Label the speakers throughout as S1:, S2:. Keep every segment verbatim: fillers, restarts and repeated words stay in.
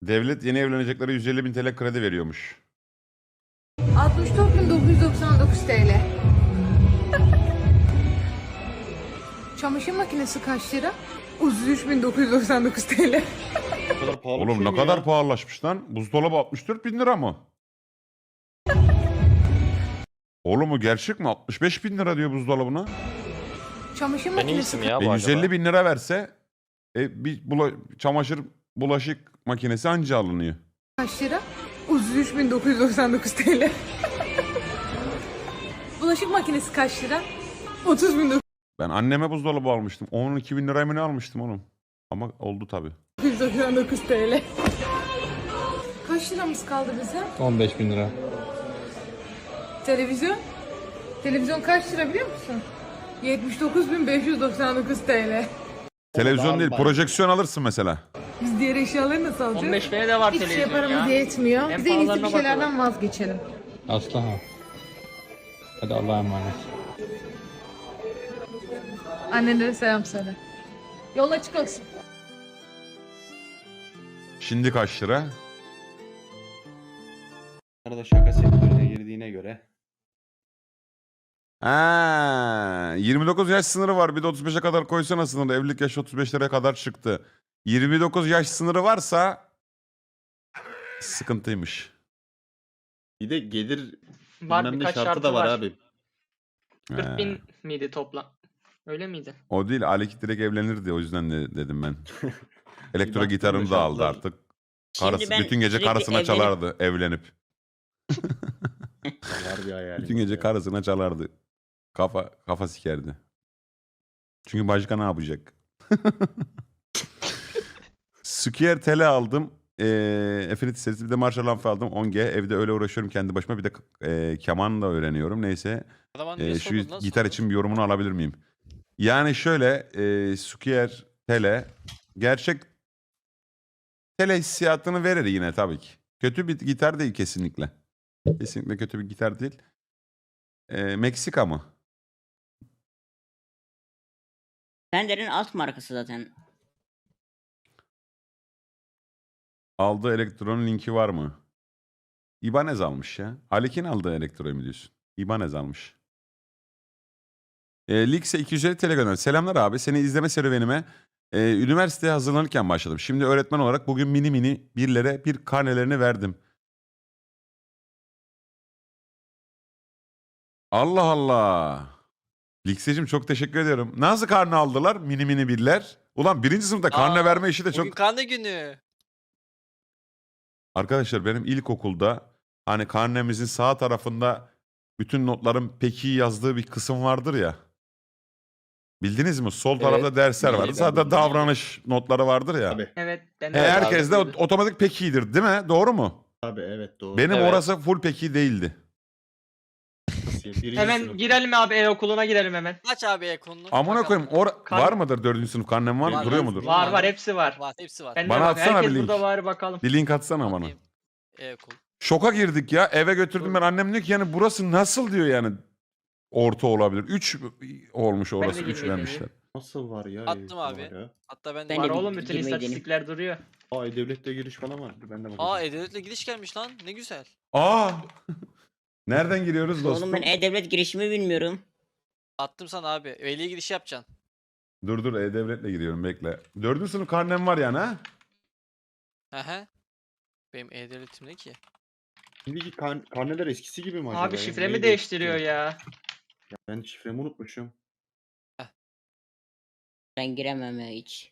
S1: Devlet yeni evleneceklere yüz elli bin T L kredi veriyormuş.
S2: altmış dört bin dokuz yüz doksan dokuz T L. Çamaşır makinesi kaç lira? otuz üç bin dokuz yüz doksan dokuz T L.
S3: O kadar pahalı bir
S1: Oğlum
S3: şey
S1: ne
S3: mi
S1: kadar
S3: ya?
S1: pahalılaşmış lan. Buzdolabı altmış dört bin lira mı? Oğlum o gerçek mi? altmış beş bin lira diyor buzdolabına.
S2: Çamaşır
S4: Ben
S2: makinesi
S4: iyisin ya
S1: E
S4: bu
S1: yüz elli
S4: acaba.
S1: bin lira verse e, bir bula, çamaşır bulaşık makinesi anca alınıyor.
S2: kaç lira? otuz üç bin dokuz yüz doksan dokuz T L. Bulaşık makinesi kaç lira? otuz bin dokuz
S1: Ben anneme buzdolabı almıştım. on iki bin liraya mı ne almıştım oğlum? Ama oldu tabii.
S2: yüz doksan dokuz T L. Kaç liramız kaldı bize?
S5: on beş bin lira.
S2: Televizyon? Televizyon kaç lira biliyor musun? yetmiş dokuz bin beş yüz doksan dokuz T L.
S1: Televizyon
S3: daha
S1: değil,
S3: var.
S1: projeksiyon alırsın mesela.
S2: Biz diğer eşyaları nasıl alacağız?
S6: on beş bine de var
S2: Hiçbir şey
S6: televizyon
S2: paramız
S6: ya.
S2: yetmiyor.
S6: En
S2: Biz en iyisi bir
S6: pahalarına
S2: şeylerden vazgeçelim.
S5: Aslı ha. Hadi Allah'a emanet.
S2: Annelere selam söyle. Yol açık olsun.
S1: Şimdi kaç lira?
S3: Arada şaka sektörüne girdiğine göre.
S1: Ha, yirmi dokuz yaş sınırı var. Bir de otuz beşe kadar koysana sınırı. Evlilik yaşı otuz beşlere kadar çıktı. yirmi dokuz yaş sınırı varsa sıkıntıymış.
S3: Bir de gelir
S6: Var
S3: bilmem ne
S6: birkaç
S3: şartı
S6: şartı
S3: da var,
S6: var.
S3: abi.
S6: kırk
S1: He.
S6: bin miydi toplam? Öyle miydi?
S1: O değil, Aleki direkt evlenirdi, o yüzden de dedim ben. Elektro
S3: baktım
S1: gitarını
S3: da
S1: da aldı
S3: şartlar-
S1: artık.
S7: Şimdi
S1: Karısı,
S7: ben
S1: bütün gece
S7: sürekli
S1: karısına
S7: evlenip-
S1: çalardı evlenip.
S3: Var bir hayal.
S1: Bütün gece karısına çalardı. Kafa kafa sikerdi. Çünkü başka ne yapacak? Sukier tele aldım. Eee Affinity serisi, bir de Marshall amfi aldım. on G. Evde öyle uğraşıyorum kendi başıma. Bir de eee keman da öğreniyorum. Neyse.
S4: Adama
S1: Eee,
S4: niye
S1: şu
S4: sordun lan
S1: gitar
S4: sonra?
S1: için bir yorumunu alabilir miyim? Yani şöyle, eee Sukier tele gerçek tele hissiyatını verir yine tabii ki. Kötü bir gitar değil kesinlikle. Kesinlikle kötü bir gitar değil. Eee, Meksika mı?
S7: Fender'in alt markası zaten.
S1: Aldığı elektronun linki var mı? İbanez almış ya. Alek'in aldığı elektroyu mu diyorsun? İbanez almış. E, Lix'e iki yüz elli T L gönder. Selamlar abi. Seni izleme serüvenime e, üniversiteye hazırlanırken başladım. Şimdi öğretmen olarak bugün mini mini birlere bir karnelerini verdim. Allah Allah. Lix'eciğim çok teşekkür ediyorum. Nasıl karne aldılar mini mini birler? Ulan birinci sınıfta karne
S4: Aa,
S1: verme işi de
S4: Bugün
S1: çok...
S4: karne günü.
S1: Arkadaşlar benim ilkokulda hani karnemizin sağ tarafında bütün notların peki yazdığı bir kısım vardır ya. Bildiniz mi? Sol tarafta dersler vardı.
S3: Bildim,
S1: Sağda
S3: bildim.
S1: davranış notları vardır ya.
S3: Abi.
S6: Evet. Ben
S1: E,
S6: de
S1: herkes de
S6: abi.
S1: o- otomatik pekidir değil mi? Doğru mu?
S3: Abi evet doğru.
S1: Benim
S4: Evet.
S1: orası full peki değildi.
S3: Birinci
S6: Hemen
S3: sınıf.
S6: girelim abi e-okuluna girelim hemen.
S4: Aç abi ekonunu.
S1: Amına
S4: bakalım.
S1: koyayım or
S6: Kan-
S1: var mıdır dördüncü sınıf karnem var mı?
S4: Var,
S1: Duruyor
S4: var.
S1: mudur?
S6: Var var hepsi var.
S4: Var hepsi var.
S6: Ben de
S1: Bana
S6: var.
S1: atsana
S6: Herkes
S1: bir link.
S6: burada var bakalım.
S1: Bir link atsana bana.
S4: Atayım. E-okul.
S1: Şoka girdik ya. Eve götürdüm ben. Annem diyor ki yani burası nasıl diyor yani. Orta olabilir. Üç olmuş
S6: de
S1: orası. Üç
S6: girmedim
S1: vermişler.
S3: Nasıl var ya?
S4: Attım
S3: Var
S4: abi.
S3: ya.
S4: Hatta ben de...
S7: Ben
S6: Var
S7: de
S6: oğlum
S7: bir
S6: bütün
S7: girmeyi
S6: istatistikler duruyor.
S3: Aa devlette giriş falan var. Ben de bakacağım.
S4: Aa E-Devlet'le gidiş gelmiş lan. Ne güzel.
S1: Aa! Nereden giriyoruz dostum?
S7: Oğlum ben E-Devlet girişimi bilmiyorum.
S4: Attım sana abi. Veli giriş yapacaksın.
S1: Dur dur E-Devlet'le giriyorum bekle. Dördüncü sınıf karnem var yani ha?
S4: Aha. Benim E-Devlet'im ne ki?
S3: Şimdiki kan karneler eskisi gibi mi acaba?
S6: Abi
S3: ya?
S6: şifremi
S3: Neyi
S6: değiştiriyor
S3: değiştiriyor?
S6: ya.
S3: Ya ben şifremi unutmuşum.
S7: Ben giremem ya hiç.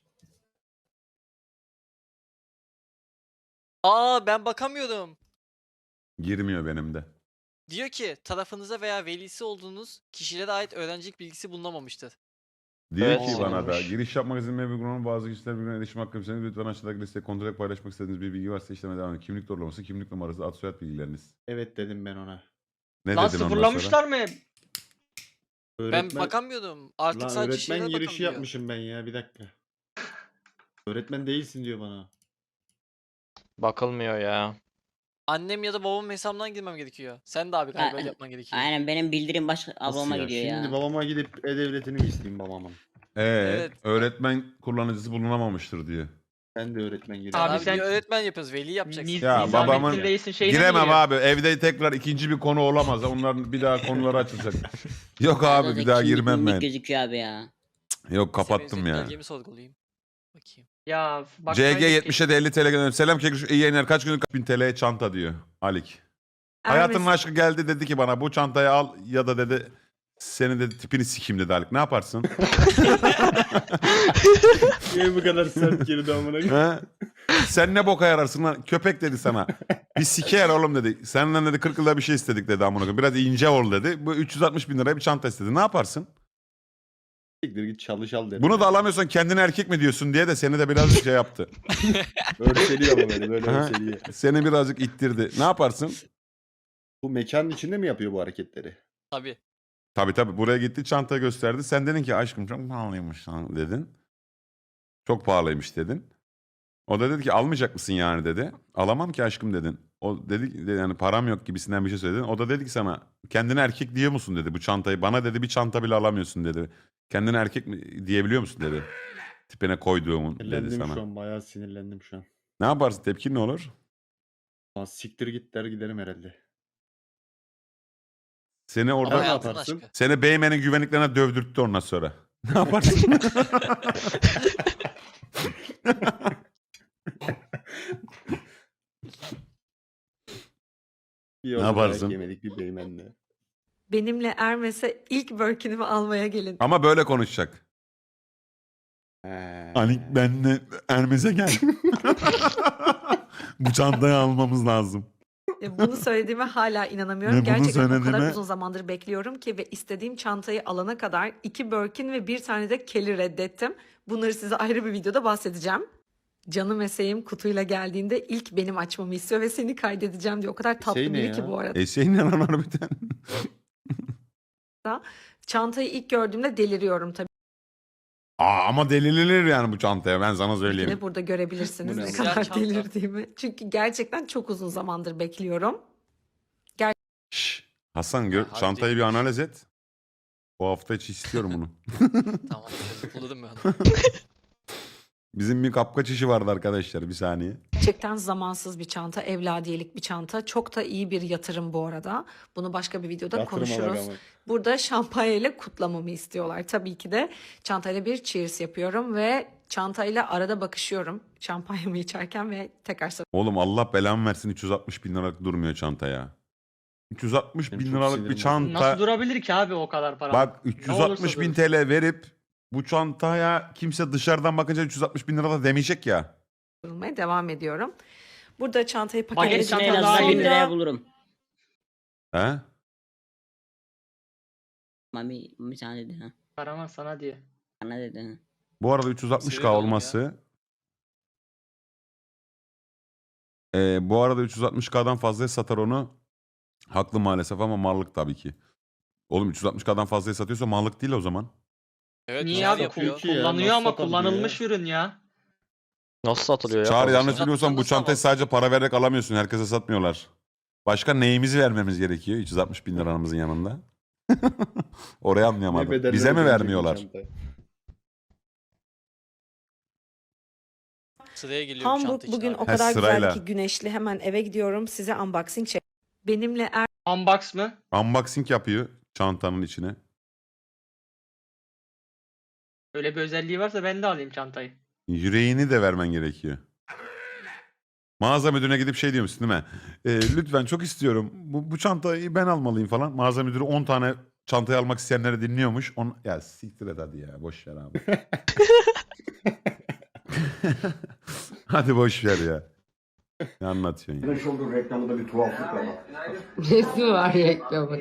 S4: Aa ben bakamıyordum.
S1: Girmiyor benim de.
S4: Diyor ki tarafınıza veya velisi olduğunuz kişilere ait öğrencilik bilgisi bulunamamıştır.
S1: Diyor
S4: Evet,
S1: ki bana da
S4: olmuş.
S1: giriş yapmak izin veren uygulamanın bazı kişiler birbirine erişim hakkı isterseniz lütfen aşağıdaki listeye kontrol ederek paylaşmak istediğiniz bir bilgi varsa işleme devam edin. Kimlik doğrulaması, kimlik numarası, ad soyad bilgileriniz.
S3: Evet dedim ben ona.
S1: Ne
S6: Lan
S1: dedin ondan
S6: sıfırlamışlar mı?
S4: Ben bakamıyordum. Artık
S3: Lan
S4: sadece
S3: öğretmen
S4: şeylere
S3: girişi
S4: bakabiliyor.
S3: yapmışım ben ya, bir dakika. Öğretmen değilsin diyor bana.
S5: Bakılmıyor ya.
S4: Annem ya da babamın hesabından girmem gerekiyor. Sen de abi galiba öyle
S7: Aa,
S4: yapman gerekiyor.
S7: Aynen benim bildirim başka
S3: Nasıl
S7: ablama
S3: ya?
S7: gidiyor
S3: Şimdi
S7: ya.
S3: babama gidip E-Devlet'ini mi isteyeyim babamın?
S1: Ee,
S4: Evet.
S1: öğretmen kullanıcısı bulunamamıştır diyor.
S3: Ben de öğretmen
S4: Abi,
S3: geliyorum.
S6: Abi
S4: abi
S6: sen-
S4: bir öğretmen yapıyoruz. Veli yapacaksın.
S6: Niz-
S1: Ya
S6: Nizamettin
S1: babamın-
S6: Reis'in şeyine mi
S1: Giremem
S6: giriyor?
S1: abi. Evde tekrar ikinci bir konu olamaz. Onların bir daha konuları açılacak. Yok abi
S7: Arada
S1: bir daha
S7: kimlik
S1: girmem
S7: mimlik
S1: ben.
S7: gözüküyor abi ya.
S1: Yok kapattım
S4: Senin
S1: ya.
S4: belgemi sorgulayayım. Bakayım.
S6: Ya bak.
S1: C G yetmişe de elli T L gönderdim. Selam Kekruş. İyi yayınlar. Kaç günlük bin T L'ye çanta diyor. Alik. Hayatının aşkı geldi dedi ki bana bu çantayı al ya da dedi senin dedi tipini sikeyim dedi Alik. Ne yaparsın?
S3: Niye bu kadar sert girdi amına koyayım?
S1: He? Sen ne boka yararsın lan? Köpek dedi sana. Bir siker oğlum dedi. Senden dedi kırk yılda bir şey istedik dedi amına koyayım. Biraz ince ol dedi. Bu üç yüz altmış bin liraya bir çanta istedi. Ne yaparsın?
S3: Siktir git çalış al dedim.
S1: Bunu da alamıyorsan kendine erkek mi diyorsun diye de seni de biraz şey yaptı.
S3: Örseliyor ama beni böyle
S1: Aha.
S3: örseliyor.
S1: Seni birazcık ittirdi. Ne yaparsın?
S3: Bu mekanın içinde mi yapıyor bu hareketleri?
S4: Tabii.
S1: Tabii tabii buraya gitti çantayı gösterdi. Sen dedin ki aşkım çok pahalıymış lan dedin. Çok pahalıymış dedin. O da dedi ki almayacak mısın yani dedi. Alamam ki aşkım dedin. O dedi ki, yani param yok gibisinden bir şey söyledin. O da dedi ki sana kendine erkek diyor musun dedi bu çantayı. Bana dedi bir çanta bile alamıyorsun dedi. Kendine erkek mi diyebiliyor musun dedi. Tipine koyduğumun dedi
S3: Sinirlendim
S1: sana.
S3: şu an bayağı sinirlendim şu an.
S1: Ne yaparsın tepkin ne olur?
S3: Aa, siktir git der giderim herhalde.
S1: Seni
S4: Ama
S1: orada
S3: ne
S4: hayatın
S3: yaparsın?
S4: aşkı.
S1: seni Beymen'in güvenliklerine dövdürttü ondan sonra. Ne yaparsın?
S3: Bir
S1: Ne
S3: yolda
S1: yaparsın?
S3: dayak yemedik bir beymenle.
S8: Benimle Hermes'e ilk Birkin'imi almaya gelin.
S1: Ama böyle konuşacak.
S3: He.
S1: Alik benle Hermes'e gel. Bu çantayı almamız lazım.
S8: E, Bunu söylediğime hala inanamıyorum.
S1: Ne bunu
S8: Gerçekten o kadar
S1: söylediğime-
S8: uzun zamandır bekliyorum ki ve istediğim çantayı alana kadar iki Birkin ve bir tane de Kelly reddettim. Bunları size ayrı bir videoda bahsedeceğim. Canım eseğim kutuyla geldiğinde ilk benim açmamı istiyor ve seni kaydedeceğim diyor. O kadar tatlı
S3: Şey ne
S8: biri
S3: ya?
S8: ki bu arada.
S1: E şey ne lan harbiden?
S8: Çantayı ilk gördüğümde deliriyorum tabii
S1: Aa, ama delilenir yani bu çantaya ben sana
S8: ki
S1: söyleyeyim.
S8: de burada görebilirsiniz
S3: Bu ne
S8: ne
S3: lan?
S8: kadar
S4: Siyah çanta.
S8: delirdiğimi. Çünkü gerçekten çok uzun zamandır bekliyorum.
S1: Şşş, Hasan gör,
S4: harbi
S1: çantayı bir
S4: değilmiş.
S1: analiz et. Bu hafta içi istiyorum bunu.
S4: Tamam. Buladım ben onu.
S1: Bizim bir kapkaç işi vardı arkadaşlar bir saniye.
S8: Gerçekten zamansız bir çanta, evladiyelik bir çanta. Çok da iyi bir yatırım bu arada. Bunu başka bir videoda
S3: Yatırıma bak
S8: konuşuruz.
S3: ama.
S8: Burada şampanya ile kutlamamı istiyorlar. Tabii ki de çantayla bir cheers yapıyorum ve çantayla arada bakışıyorum. Şampanyamı içerken ve tekrar
S1: Oğlum Allah belamı versin üç yüz altmış bin liralık durmuyor çanta ya. üç yüz altmış
S3: Benim
S1: bin
S3: çok
S1: liralık
S3: sinirim
S1: bir
S3: bozuldu.
S1: çanta.
S6: Nasıl durabilir ki abi o kadar para?
S1: Bak
S6: Ne
S1: üç yüz
S6: olursa
S1: altmış bin
S6: durur.
S1: T L verip bu çantaya kimse dışarıdan bakınca üç yüz altmış bin lira da demeyecek ya.
S8: durmaya devam ediyorum. Burada çantayı
S6: Baget
S8: paketledikten
S7: Gerisini en
S6: çanta
S7: azından
S6: daha
S7: bin
S6: iyi.
S7: liraya
S8: sonra
S7: bulurum.
S1: He?
S7: Mami bir tane dedi ha.
S6: Karaman sana diye.
S7: Bana dedi ha.
S1: Bu arada üç yüz altmış K
S4: Seviyorum ya.
S1: olması Ee, bu arada üç yüz altmış K'dan fazlaya satar onu. Haklı maalesef ama mallık tabii ki. Oğlum üç yüz altmış K'dan fazlaya satıyorsa mallık değil o zaman.
S4: Evet.
S6: Niye
S4: güzel
S6: abi?
S4: yapıyor.
S3: Çünkü ya,
S6: Kullanıyor
S3: nasıl
S6: ama
S3: satabiliyor
S6: kullanılmış ürün ya.
S9: Nasıl satılıyor ya?
S1: Çağrı
S9: fazlası?
S1: yanlış biliyorsam bu
S4: Nasıl
S1: çantayı
S4: alamazsın?
S1: sadece para vererek alamıyorsun. Herkese satmıyorlar. Başka neyimizi vermemiz gerekiyor üç yüz altmış bin liramızın yanında? Orayı
S3: Ne
S1: anlayamadım.
S3: bedeller
S1: Bize mi
S3: ödenecek bu
S1: vermiyorlar?
S3: çanta?
S4: Sıraya geliyor
S8: Hamburg
S4: çanta için
S8: bugün
S4: abi.
S8: o kadar
S1: sırayla.
S8: güzel ki güneşli. Hemen eve gidiyorum. Size unboxing çek. Benimle er
S6: Unbox mı?
S1: Unboxing yapıyor çantanın içine.
S6: Öyle bir özelliği varsa ben de alayım çantayı.
S1: Yüreğini de vermen gerekiyor. Mağaza müdürüne gidip şey diyormuşsun değil mi? Ee, lütfen çok istiyorum. Bu, bu çantayı ben almalıyım falan. Mağaza müdürü on tane çantayı almak isteyenleri dinliyormuş. On... Ya siktir et hadi ya. Boş ver abi. Hadi boş ver ya. Ne anlatıyorsun ya?
S10: Shoulder reklamında bir tuhaflık var bak.
S2: Resmi var reklamı.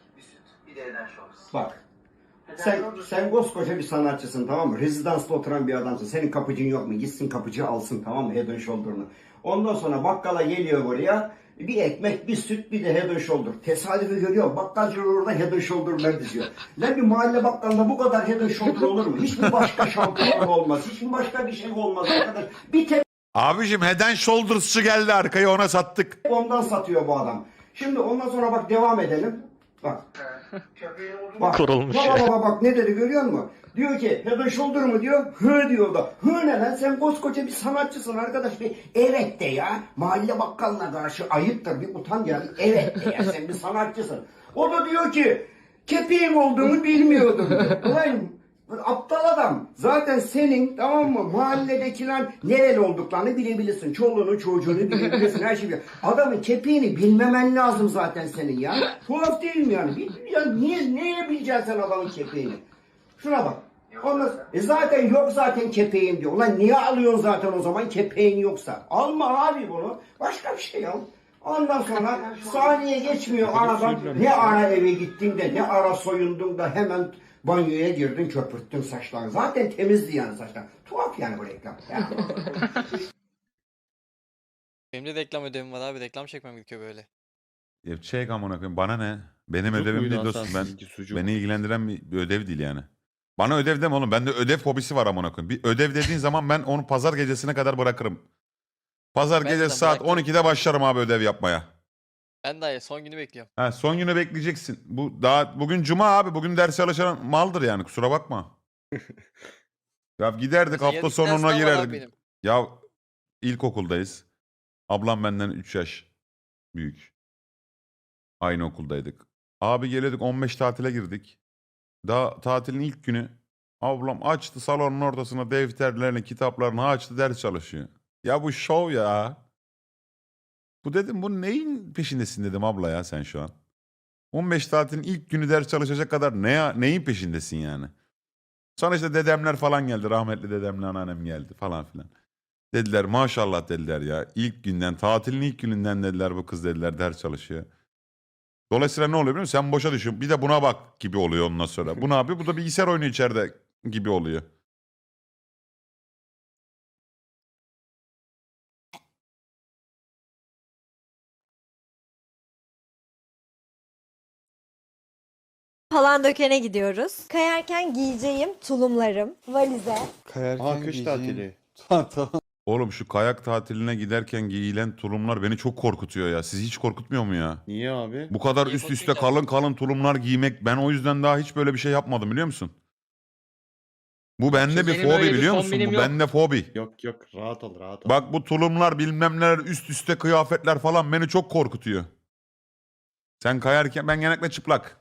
S10: Bak. Sen, sen koskoca bir sanatçısın tamam mı? Rezidansta oturan bir adamsın. Senin kapıcın yok mu? Gitsin kapıcı alsın tamam mı? Head and Shoulder'ını. Ondan sonra bakkala geliyor buraya. Bir ekmek, bir süt, bir de Head and Shoulder. Tesadüfi görüyor. Bakkalcı orada Head and Shoulder'lar diziyor. Lan bir mahalle bakkalında bu kadar Head and Shoulder olur mu? Hiçbir başka şampuan olmaz. Hiçbir başka bir şey olmaz arkadaş. Bir tek
S1: Abicim Head and Shoulders'çı geldi arkaya ona sattık.
S10: ondan satıyor bu adam. Şimdi ondan sonra bak devam edelim. Bak. Bak.
S9: Kurulmuş
S10: Baba
S9: ya.
S10: baba bak ne dedi görüyor musun? Diyor ki head and shoulder mu diyor. Hı diyor da. Hı ne lan, sen koskoca bir sanatçısın arkadaş. Bir evet de ya. Mahalle bakkalına karşı ayıptır, bir utan ya. Evet de ya, sen bir sanatçısın. O da diyor ki kepeğim olduğunu bilmiyordum diyor. Ulan aptal adam. Zaten senin, tamam mı, mahalledekiler nereli olduklarını bilebilirsin. Çoluğunu çocuğunu bilebilirsin. Her şeyi. Adamın kepeğini bilmemen lazım zaten senin ya. Tuhaf değil mi yani? Bil- Ya niye, neye bileceksin sen adamın kepeğini? Şuna bak. Ondan, e zaten yok zaten kepeğim diyor. Ulan niye alıyorsun zaten o zaman kepeğin yoksa? Alma abi bunu. Başka bir şey al. Ondan sonra saniye geçmiyor aradan. Ne ara eve gittin de, ne ara soyundun da hemen banyoya girdin, köpürttün saçlarını. Zaten temizdi yani saçlar. Tuhaf yani bu reklam. Ya.
S4: Benim de reklam ödevim var abi. Reklam çekmem gerekiyor böyle.
S1: Ya çek amına koyayım, bana ne? Benim
S3: Sucuk
S1: ödevim
S3: muydu
S1: değil
S3: Hasan
S1: dostum. Ben,
S3: sizinki, sucuk?
S1: beni ilgilendiren bir, bir ödev değil yani. Bana ödev deme oğlum. Bende ödev fobisi var amına koyayım. Bir ödev dediğin zaman ben onu pazar gecesine kadar bırakırım. Pazar
S4: Ben de
S1: gecesi saat
S4: bırakırım.
S1: on ikide başlarım abi ödev yapmaya.
S4: Ben daha son günü bekliyorum.
S1: Ha, son günü bekleyeceksin. Bu daha bugün cuma abi. Bugün ders çalışan maldır yani, kusura bakma. Ya giderdik
S4: Mesela
S1: hafta
S4: yarın bir ders
S1: sonuna
S4: daha var abi
S1: girerdik.
S4: benim.
S1: Ya ilkokuldayız. Ablam benden üç yaş büyük. Aynı okuldaydık. Abi geliyorduk, on beş tatile girdik. Daha tatilin ilk günü ablam açtı salonun ortasına defterlerini, kitaplarını açtı, ders çalışıyor. Ya bu şov ya. Bu dedim, bu neyin peşindesin dedim abla ya sen şu an. on beş tatilin ilk günü ders çalışacak kadar ne ya, neyin peşindesin yani? Sonra işte dedemler falan geldi. Rahmetli dedemle anneannem geldi falan filan. Dediler maşallah dediler ya. İlk günden, tatilin ilk gününden dediler bu kız dediler ders çalışıyor. Dolayısıyla ne oluyor biliyor musun? Sen boşa düşün. Bir de buna bak gibi oluyor ondan sonra. Bu ne yapıyor? Bu da bilgisayar oynuyor içeride gibi oluyor.
S11: Palandöken'e gidiyoruz. Kayarken giyeceğim tulumlarım, valize.
S3: Aa, kış tatili.
S1: Oğlum şu kayak tatiline giderken giyilen tulumlar beni çok korkutuyor ya. Sizi hiç korkutmuyor mu ya?
S3: Niye abi?
S1: Bu kadar
S4: Niye
S1: üst üste
S4: korkmayacağım?
S1: kalın kalın tulumlar giymek, ben o yüzden daha hiç böyle bir şey yapmadım biliyor musun? Bu bende bir
S6: benim öyle
S1: fobi
S6: bir
S1: biliyor musun?
S6: kombinim
S1: Bu
S6: yok.
S1: bende fobi.
S3: Yok yok, rahat ol rahat ol.
S1: Bak bu tulumlar bilmem neler, üst üste kıyafetler falan beni çok korkutuyor. Sen kayarken ben genellikle çıplak.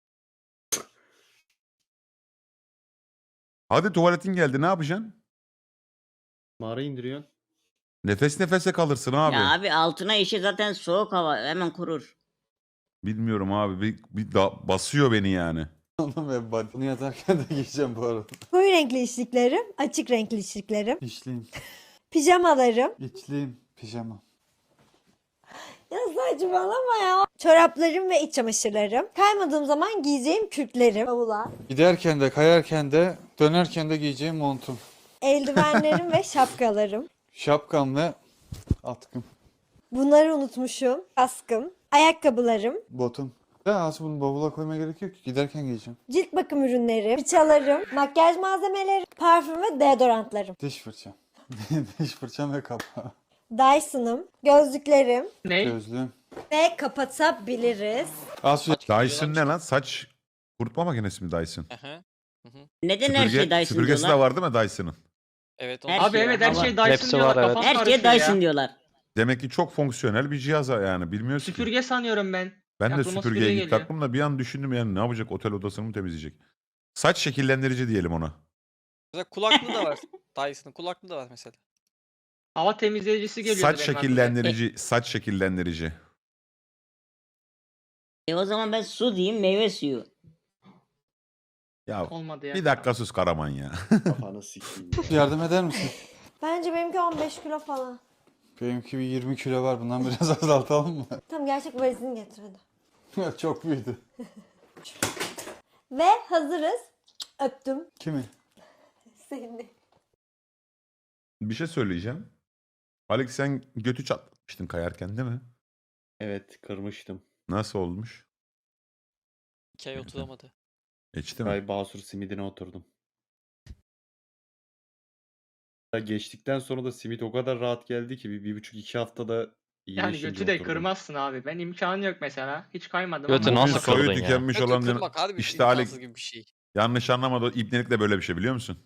S1: Hadi tuvaletin geldi, ne yapacaksın?
S3: Mağara indiriyorsun.
S1: Nefes nefese kalırsın abi.
S7: Ya abi altına işi zaten soğuk hava hemen kurur.
S1: Bilmiyorum abi, bir, bir da- basıyor beni yani.
S5: Bunu yatarken de giyeceğim bu arada.
S11: Koyu renkli içliklerim, açık renkli içliklerim,
S5: İçliyim.
S11: pijamalarım.
S5: İçliyim. Pijama.
S11: Ya saçmalama ya. Çoraplarım ve iç çamaşırlarım. Kaymadığım zaman giyeceğim kürklerim. Bavula.
S5: Giderken de kayarken de dönerken de giyeceğim montum.
S11: Eldivenlerim ve şapkalarım.
S5: Şapkam ve atkım.
S11: Bunları unutmuşum. Kaskım, ayakkabılarım,
S5: Botum. Ya aslında bunu bavula koymaya gerek yok ki. Giderken giyeceğim.
S11: cilt bakım ürünleri, fırçalarım, makyaj malzemeleri, parfüm ve deodorantlarım.
S5: Diş fırçam. Diş fırçam ve kapağı.
S11: Dyson'ım, gözlüklerim
S6: Ne?
S5: Gözlüğüm.
S11: ve kapatabiliriz.
S5: Asu
S1: Dyson ne lan? Saç kurutma makinesi mi Dyson?
S4: Aha.
S7: Neden her şey
S1: Süpürge,
S7: Dyson
S1: süpürgesi de
S7: diyorlar?
S1: var değil mi Dyson'ın?
S4: Evet.
S7: Her
S4: Onu...
S6: Abi
S7: şey
S6: evet her
S7: hava.
S6: şey Dyson
S9: Hepsi
S6: diyorlar.
S9: var, evet.
S6: Kafam
S7: Her şeye
S6: karışıyor
S7: Dyson
S6: ya.
S7: diyorlar.
S1: Demek ki çok fonksiyonel bir cihaz yani, bilmiyoruz ki.
S6: Süpürge sanıyorum ben.
S1: Ben de
S6: aklıma süpürge
S1: süpürgeye git
S6: geliyor.
S1: taktım da bir an düşündüm yani, ne yapacak, otel odasını mı temizleyecek? Saç şekillendirici diyelim ona.
S4: Mesela kulaklığı da var. Dyson'ın kulaklığı da var mesela.
S6: Hava temizleyicisi geliyor.
S1: Saç şekillendirici, saç şekillendirici.
S7: E o zaman ben su diyeyim, meyve suyu.
S1: Ya
S6: Olmadı ya.
S1: bir dakika sus Karaman ya.
S3: Kafanı sikeyim.
S5: yardım eder misin?
S11: Bence benimki on beş kilo falan.
S5: Benimki bir yirmi kilo var. Bundan biraz azaltalım mı?
S11: Tamam gerçek valizini getir hadi.
S5: Çok büyüdü.
S11: Ve hazırız. Öptüm
S5: Kimi?
S11: seni.
S1: Bir şey söyleyeceğim. Alex sen götü çatlamıştın kayarken değil mi?
S3: Evet, kırmıştım.
S1: Nasıl olmuş?
S4: İki ay oturamadı.
S1: Geçti mi?
S3: Ay Basur simidine oturdum. Ya geçtikten sonra da simit o kadar rahat geldi ki bir, bir buçuk iki haftada
S6: Yani
S3: iyileşince
S6: götü de
S3: oturdum.
S6: kırmazsın abi. Ben imkanı yok mesela. Hiç kaymadım
S9: Götü
S6: ama.
S9: nasıl
S1: Bugün soyu
S9: kırdın ya?
S1: tükenmiş
S4: Götü
S1: olan
S4: kırmak harbi
S1: işte Alex
S4: imkansız gibi bir şey.
S1: Yanlış anlamadı. O ibnelik de böyle bir şey biliyor musun?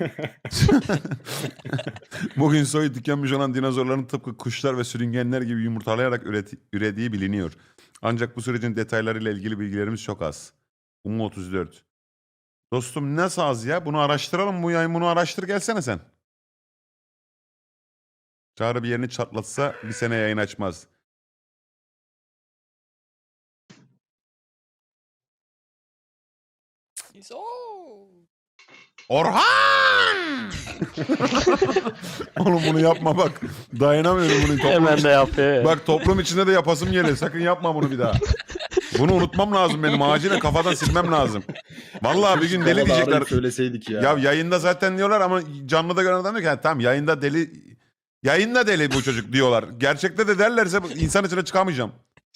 S1: Bugün soyu tükenmiş olan dinozorların tıpkı kuşlar ve sürüngenler gibi yumurtalayarak üreti- ürediği biliniyor. Ancak bu sürecin detaylarıyla ilgili bilgilerimiz çok az. Umu otuz dört. Dostum nasıl az ya? Bunu araştıralım. Bu yayın bunu araştır gelsene sen. Çağrı bir yerini çatlatsa bir sene yayın açmaz.
S4: Neyse, ooo.
S1: Orhan! Oğlum bunu yapma bak. Dayanamıyorum bunu. Toplum
S9: Hemen
S1: iç-
S9: de yapıyor. ya.
S1: Bak toplum içinde de yapasım geliyor. Sakın yapma bunu bir daha. Bunu unutmam lazım benim. Acilen kafadan silmem lazım. Vallahi bir gün deli
S3: Bana da
S1: diyecekler.
S3: arayıp söyleseydik ya.
S1: Ya yayında zaten diyorlar ama canlıda gören adam diyor ki "Ha, tamam yayında deli yayında deli bu çocuk diyorlar. Gerçekte de derlerse bu- insan içine çıkamayacağım.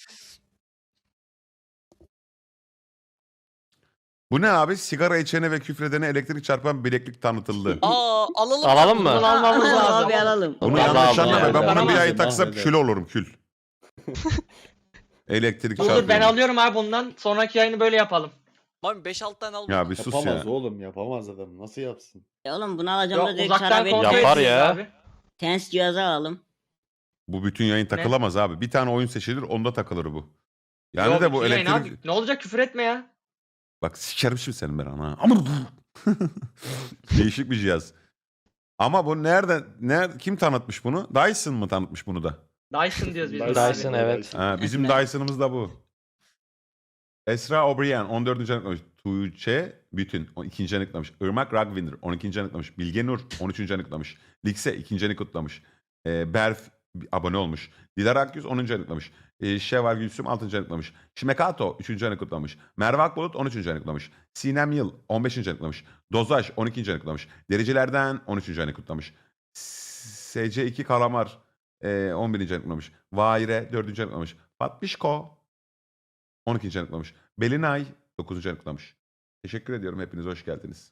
S1: Bu ne abi? Sigara içene ve küfredene elektrik çarpan bileklik tanıtıldı.
S4: Aa, alalım.
S9: Alalım mı?
S6: Bunu almamız lazım.
S7: Abi alalım.
S1: Bunu
S9: Allah
S1: yanlış
S9: Allah.
S1: anlama. Ben bunu bir
S3: Yaramaz
S1: ay
S3: ya,
S1: taksam
S3: mahveder.
S1: kül olurum kül. Elektrik
S6: Dur
S1: çarpıyor.
S6: ben alıyorum abi bundan. Sonraki yayını böyle yapalım.
S4: Mami beş altı tane al.
S1: Ya bir sus
S3: Yapamaz
S1: ya.
S3: oğlum yapamaz adam. Nasıl yapsın?
S7: E oğlum bunu alacağım da
S6: Yok,
S7: direkt
S6: uzaktan
S7: sana
S6: kontrol
S7: bir
S9: Yapar
S6: edeceğiz
S9: ya.
S6: abi.
S7: tens cihazı alalım.
S1: Bu bütün yayın takılamaz abi. Bir tane oyun seçilir onda takılır bu. Yani
S6: Yok,
S1: de bu
S6: bütün yayın
S1: elektrik...
S6: abi. Ne olacak, küfür etme ya.
S1: Bak sikerim şimdi senin ben ana. Değişik bir cihaz. Ama bu nerede, nerede kim tanıtmış bunu? Dyson mı tanıtmış bunu da?
S6: Dyson diyoruz biz. buna
S9: Dyson,
S6: abi.
S9: evet.
S1: Ha, bizim Dyson'ımız da bu. Esra O'Brien on dördüncü anıklamış. Tuğçe Bütün on ikinci anıklamış. Irmak Ragvinder on ikinci anıklamış. Bilge Nur on üçüncü anıklamış. Likse ikinci anı kutlamış. Ee, Berf abone olmuş. Dilara Akyüz onuncu anıklamış. Ee, Şevval Gülsüm altıncı anıklamış. Şimekato üçüncü anı kutlamış. Merve Akbulut on üçüncü anıklamış. Sinem Yıl on beşinci anıklamış. Dozaj on ikinci anıklamış. Dericilerden on üçüncü anı kutlamış. S C iki Kalamar e, on birinci anıklamış. Vaire dördüncü anıklamış. Fatbişko on ikinci anıklamış. Belinay dokuzuncu anıklamış. Teşekkür ediyorum. Hepiniz hoş geldiniz.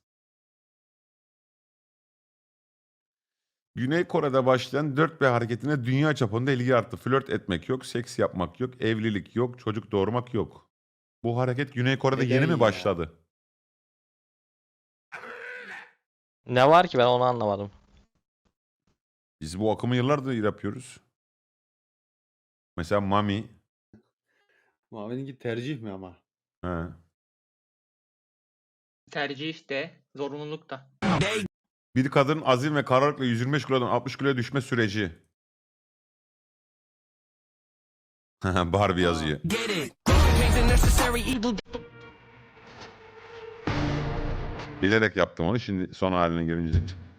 S1: Güney Kore'de başlayan dört B hareketine dünya çapında ilgi arttı. Flört etmek yok, seks yapmak yok, evlilik yok, çocuk doğurmak yok. Bu hareket Güney Kore'de
S3: Neden
S1: yeni mi
S3: ya?
S1: başladı?
S9: Ne var ki ben onu anlamadım.
S1: Biz bu akımı yıllardır yapıyoruz. Mesela Mami.
S3: Mavi'ninki tercih mi ama?
S1: He.
S6: Tercih işte. Zorunluluk da.
S1: Bir kadın azim ve kararlılıkla yüz yirmi beş kilodan altmış kiloya düşme süreci. Barbie yazıyor. Bilerek yaptım onu şimdi son haline gelince.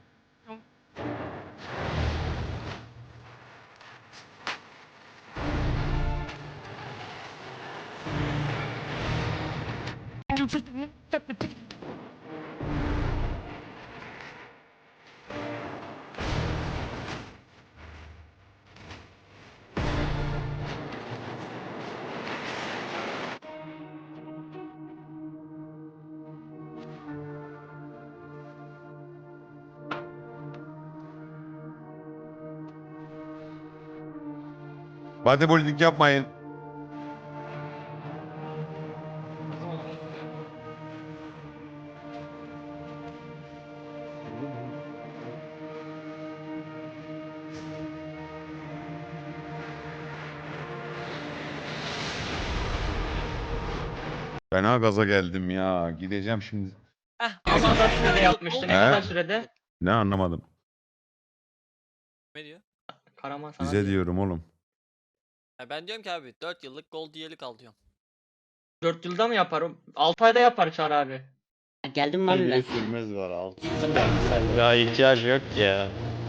S1: Bodybuilding yapmayın. Fena gaza geldim ya. Gideceğim şimdi.
S4: Heh,
S6: Ne kadar sürede yapmıştı? Ne
S1: He?
S6: kadar sürede?
S1: Ne anlamadım.
S4: Ne diyor?
S6: Karaman sana
S1: Bize
S6: diyor.
S1: diyorum oğlum.
S4: Ya ben diyorum ki abi dört yıllık gold üyelik al diyorum.
S6: dört yılda mı yaparım? altı ayda yapar Çağrı abi.
S7: Geldim mi abi
S3: Bir
S7: ben?
S3: sürmez var altı.
S9: Ya ihtiyacı yok ki ya.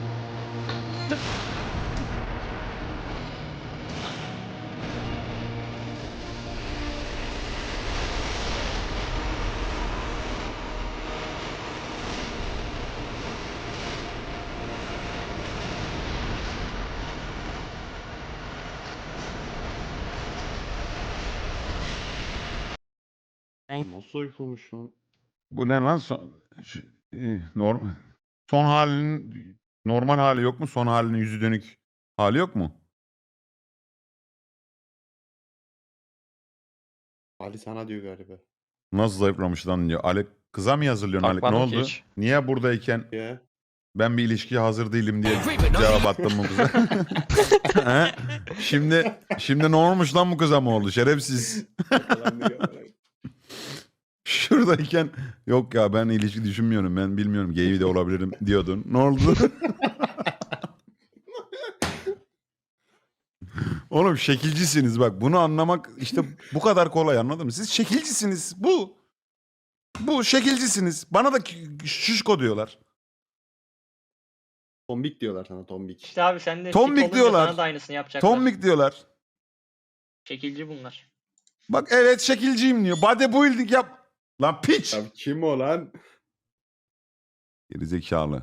S3: Nasıl uyumuş lan?
S1: Bu ne lan? Son, şu- e, normal, son halinin normal hali yok mu? Son halinin yüzü dönük hali yok mu?
S3: Ali sana diyor galiba.
S1: Nasıl zayıflamış lan diyor. Alek Kıza mı yazılıyorsun Haluk? Ne
S9: Bakmadım ki
S1: oldu?
S9: hiç.
S1: Niye buradayken
S3: Ya.
S1: ben bir ilişkiye hazır değilim diye cevap attım bu kıza? He? Şimdi şimdi ne olmuş lan bu kıza mı oldu? Şerefsiz. Şuradayken yok ya ben ilişki düşünmüyorum, ben bilmiyorum, gay de olabilirim diyordun. Ne oldu? Oğlum şekilcisiniz bak, bunu anlamak işte bu kadar kolay, anladın mı? Siz şekilcisiniz, bu. Bu şekilcisiniz. Bana da k- şişko diyorlar.
S3: Tombik diyorlar sana tombik.
S6: İşte abi sen de
S1: Tombik
S6: fit olunca
S1: diyorlar.
S6: sana da aynısını yapacaklar.
S1: Tombik diyorlar.
S6: Şekilci bunlar.
S1: Bak evet şekilciyim diyor. Bodybuilding yap. Lan piç.
S3: Abi kim o lan?
S1: Gerizekalı.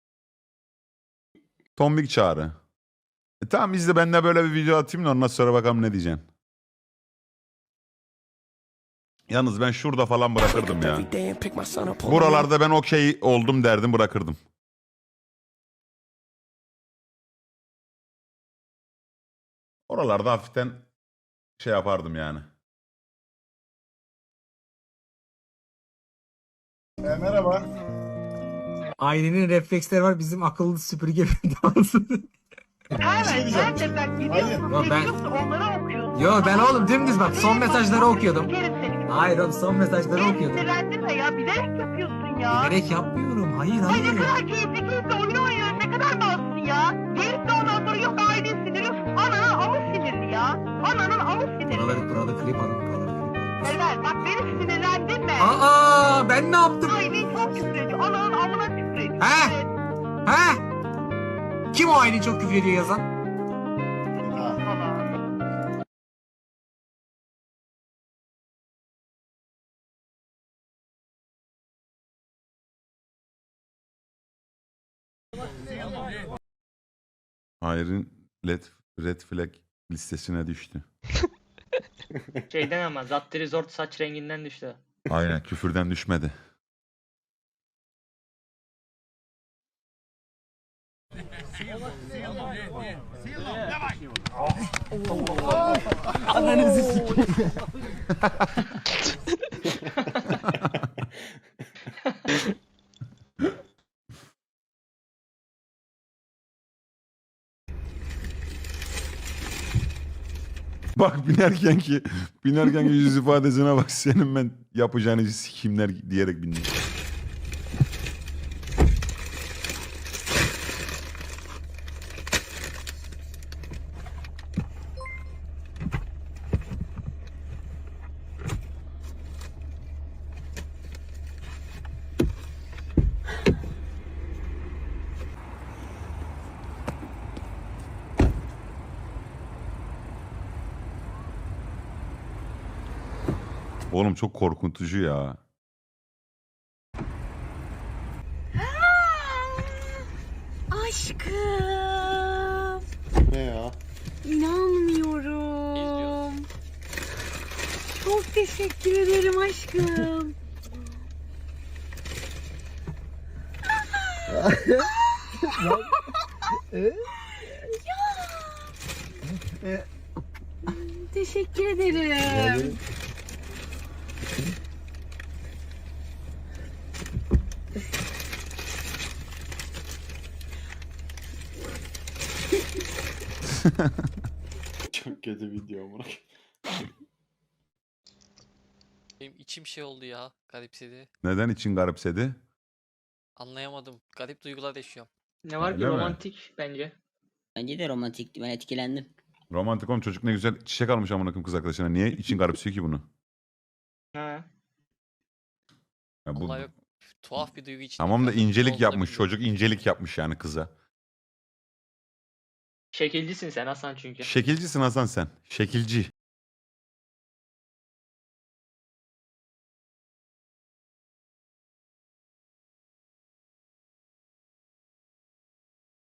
S1: Tombik çağrı. E tamam izle, ben de böyle bir video atayım da ondan sonra bakalım ne diyeceksin. Yalnız ben şurada falan bırakırdım ya. Buralarda ben okey oldum derdim, bırakırdım. Oralarda hafiften şey yapardım yani.
S10: merhaba.
S5: Ailenin refleksleri var, bizim akıllı süpürge dansı.
S10: Evet, ben de bak
S5: Yo ben, yo ben oğlum dümdüz bak son mesajları okuyordum. Hayır oğlum son mesajları okuyordum.
S10: Sinirlendirme ya, bilerek yapıyorsun ya.
S5: Bilerek yapmıyorum, hayır
S10: Ay ne
S5: hayır.
S10: kadar keyifli keyifli oyun oynuyorsun, ne kadar malsın ya. Gelip de ondan sonra yok ailen sinirli, ananın amı sinirli ya. Ananın amı sinirli.
S5: Buraları buraları klip alın, buraları klip alın.
S10: Evet, bak beni sinirlendirme.
S5: Aa ben ne yaptım?
S10: Ailen çok küfür ediyor, ananın amına küfür ediyor.
S5: He?
S10: Evet.
S5: He? Kim o aileyi çok küfür ediyor yazan?
S10: Falan.
S1: Hayır'ın red, red flag listesine düştü.
S6: Şeyden ama Zattı Resort saç renginden düştü.
S1: Aynen, küfürden düşmedi.
S5: Ananızı sikeyim.
S1: Bak binerken ki binerken ki yüz ifadesine bak, senin ben yapacağını sikimler diyerek bindim. Oğlum çok korkutucu ya.
S11: Aşkım.
S3: Ne ya?
S11: İnanmıyorum. Çok teşekkür ederim aşkım. Teşekkür ederim.
S3: Çok kötü video amına.
S4: Benim içim şey oldu ya. Garipsedi.
S1: Neden için garipsedi?
S4: Anlayamadım. Garip duygular yaşıyorum.
S6: Ne var ki
S1: Öyle mi?
S6: romantik bence.
S7: Bence de romantikti. Ben etkilendim.
S1: Romantik oğlum, çocuk ne güzel çiçek almış amına koyayım kız arkadaşına. Niye için garipsiyor ki bunu?
S6: Ha.
S1: Ya bu,
S4: Vallahi yok. Tuhaf bir duygu içinde.
S1: tamam da
S4: kaldım. Ne
S1: incelik
S4: olduğunu
S1: yapmış
S4: bilmiyorum.
S1: çocuk, incelik yapmış yani kıza.
S6: Şekilcisin sen Hasan çünkü.
S1: Şekilcisin Hasan sen. Şekilci.